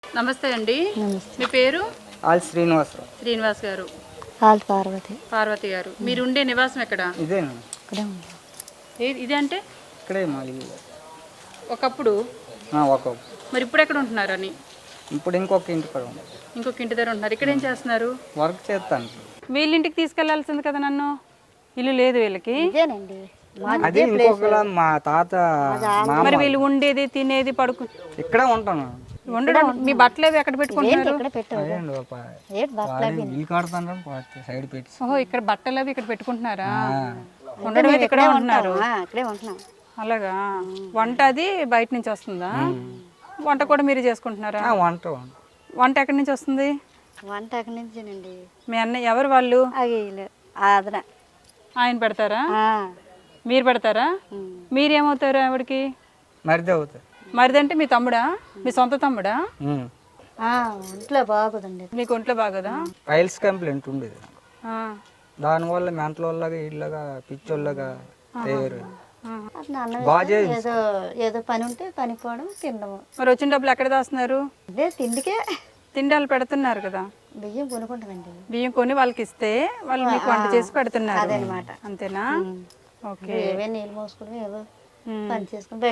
నమస్తే అండి. మీ పేరు? ఆల్ శ్రీనివాస్ గారు. ఆల్ పార్వతి గారు. మీరు ఉండే నివాసం ఎక్కడ? ఇదేనా? ఇదే అంటే ఇక్కడే మా ఇల్లు. ఒకప్పుడు మరి ఇప్పుడు ఎక్కడ ఉంటున్నారు అని? ఇప్పుడు ఇంకొక ఇంటి కాడ ఉంది. ఇంకొక ఇంటి దగ్గర ఉంటున్నారు. ఇక్కడ ఏం చేస్తున్నారు? వర్క్ చేస్తాను. వీళ్ళ ఇంటికి తీసుకెళ్లాల్సింది కదా నన్ను. ఇల్లు లేదు వీళ్ళకి. అదే ఇంకొకలా మా తాత. మరి వీళ్ళు ఉండేది తినేది పడుకు ఇక్కడే ఉంటాను. ఉండడం మీ బట్టలు ఏవి ఎక్కడ పెట్టుకుంటున్నారు? సైడ్ పెట్టి. ఓహో, ఇక్కడ బట్టలు అవి ఇక్కడ పెట్టుకుంటున్నారా? ఉండడం అయితే ఇక్కడే ఉంటున్నారు. అలాగా. వంట అది బయట నుంచి వస్తుందా? వంట కూడా మీరు చేసుకుంటున్నారా? వంట ఎక్కడి నుంచి వస్తుంది? వంట ఎక్కడి నుంచేనండి. మీ అన్నయ్య ఎవరు వాళ్ళు? ఆయన పెడతారా? మీరు పెడతారా? మీరేమవుతారు ఆవిడకి? మరిది అవుతారు. మరిది అంటే మీ తమ్ముడా? మీ సొంత తమ్ముడా? ఒంట్లో బాగోదండి. మీకు ఒంట్లో బాగోదా? ఫైల్స్ కంప్లైంట్ ఉండేది. దానివల్ల మెంటల్ వాళ్ళగా ఇళ్ళగా పిచ్చోళ్ళగా తయారు. ఏదో పని ఉంటే పని పోవడం తినడం. మరి వచ్చిన డబ్బులు ఎక్కడ దాస్తున్నారు? అదే తిండికే. తిండాలు పెడుతున్నారు కదా. బియ్యం కొనుక్కుంటామండి. బియ్యం కొని వాళ్ళకి ఇస్తే వాళ్ళు మీకు వంట చేసి పెడుతున్నారు అదనమాట. అంతేనా? ఓకే. ఏవే నీళ్ళు మోసుకుని ఏదో పని చేసుకుని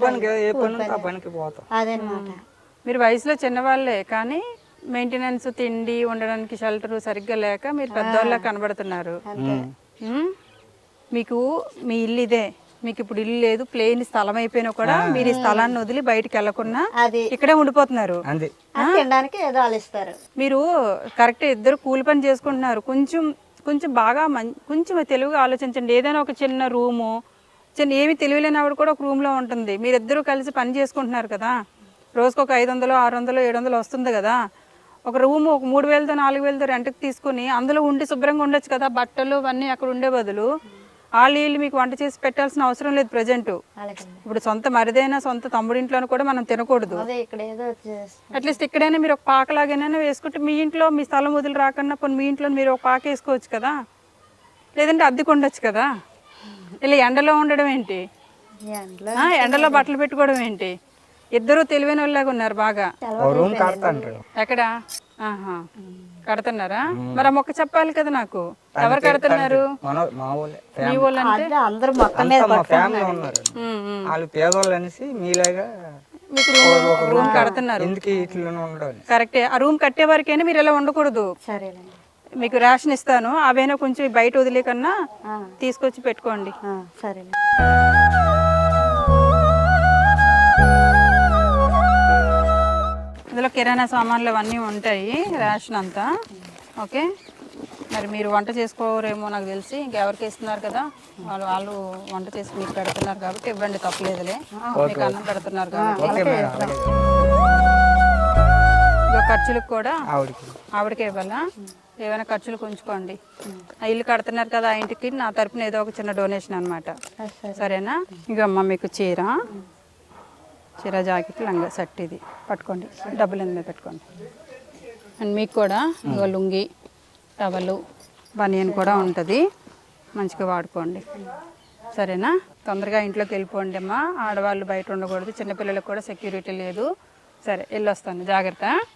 అదనమాట. మీరు వయసులో చిన్నవాళ్ళే కానీ మెయింటెనెన్స్, తిండి, ఉండడానికి షెల్టర్ సరిగ్గా లేక మీరు పెద్దవాళ్ళ కనబడుతున్నారు. మీకు మీ ఇల్లు ఇదే. మీకు ఇప్పుడు ఇల్లు లేదు, ప్లేన్ స్థలం అయిపోయినా కూడా మీరు ఈ స్థలాన్ని వదిలి బయటకు వెళ్లకుండా ఇక్కడే ఉండిపోతున్నారు. తినడానికి ఏదో ఆలోచిస్తారు. మీరు కరెక్ట్ ఇద్దరు కూలి పని చేసుకుంటున్నారు. కొంచెం బాగా కొంచెం తెలివిగా ఆలోచించండి. ఏదైనా ఒక చిన్న రూము, ఏమి తెలియలేని ఆవిడ కూడా ఒక రూమ్లో ఉంటుంది. మీరిద్దరూ కలిసి పని చేసుకుంటున్నారు కదా. రోజుకు ఒక 500, 600, 700 వస్తుంది కదా. ఒక రూము ఒక 3000తో 4000తో రెంట్కి తీసుకుని అందులో ఉండి శుభ్రంగా ఉండొచ్చు కదా. బట్టలు అవన్నీ అక్కడ ఉండే బదులు వీళ్ళు మీకు వంట చేసి పెట్టాల్సిన అవసరం లేదు. ప్రజెంట్ ఇప్పుడు సొంత మరిదైనా సొంత తమ్ముడింట్లోనూ కూడా మనం తినకూడదు. అట్లీస్ట్ ఇక్కడైనా మీరు ఒక పాకలాగైనా వేసుకుంటే మీ ఇంట్లో మీ స్థలం వదిలి రాకుండా పోనీ మీ ఇంట్లో మీరు ఒక పాక వేసుకోవచ్చు కదా. లేదంటే అద్దెకు ఉండొచ్చు కదా. ఇలా ఎండలో ఉండడం ఏంటి? ఎండలో బట్టలు పెట్టుకోవడం ఏంటి? ఇద్దరు తెలివైన వాళ్ళలాగా ఉన్నారు బాగా. ఎక్కడ కడుతున్నారా? మరి ఆ మొక్క చెప్పాలి కదా నాకు. ఎవరు కడుతున్నారు? మీ వాళ్ళు అంటే మీకు రూమ్ కడుతున్నారు. కరెక్టే. ఆ రూమ్ కట్టే వరకైనా మీరు ఇలా ఉండకూడదు. మీకు రేషన్ ఇస్తాను, అవైనా కొంచెం బయట వదిలే కన్నా తీసుకొచ్చి పెట్టుకోండి. సరే. ఇందులో కిరాణా సామాన్లు అవన్నీ ఉంటాయి, రేషన్ అంతా. ఓకే. మరి మీరు వంట చేసుకోరేమో నాకు తెలిసి, ఇంకెవరికి ఇస్తున్నారు కదా, వాళ్ళు వంట చేసి మీకు పెడుతున్నారు కాబట్టి ఇవ్వండి, తప్పలేదులే. మీకు అన్నం పెడుతున్నారు కాబట్టి ఖర్చులకు కూడా ఆవిడకే ఇవ్వాలా? ఏమైనా ఖర్చులు ఉంచుకోండి. ఆ ఇల్లు కడుతున్నారు కదా, ఆ ఇంటికి నా తరపున ఏదో ఒక చిన్న డొనేషన్ అనమాట. సరేనా? ఇక అమ్మ మీకు చీర జాకెట్, లంగా సెట్ ఇది పట్టుకోండి. డబ్బులు మీద పెట్టుకోండి. అండ్ మీకు కూడా ఇక లుంగి, టవలు, బనియన్ కూడా ఉంటుంది. మంచిగా వాడుకోండి. సరేనా? తొందరగా ఇంట్లోకి వెళ్ళిపోండి అమ్మా. ఆడవాళ్ళు బయట ఉండకూడదు. చిన్నపిల్లలకు కూడా సెక్యూరిటీ లేదు. సరే, వెళ్ళొస్తాను. జాగ్రత్త.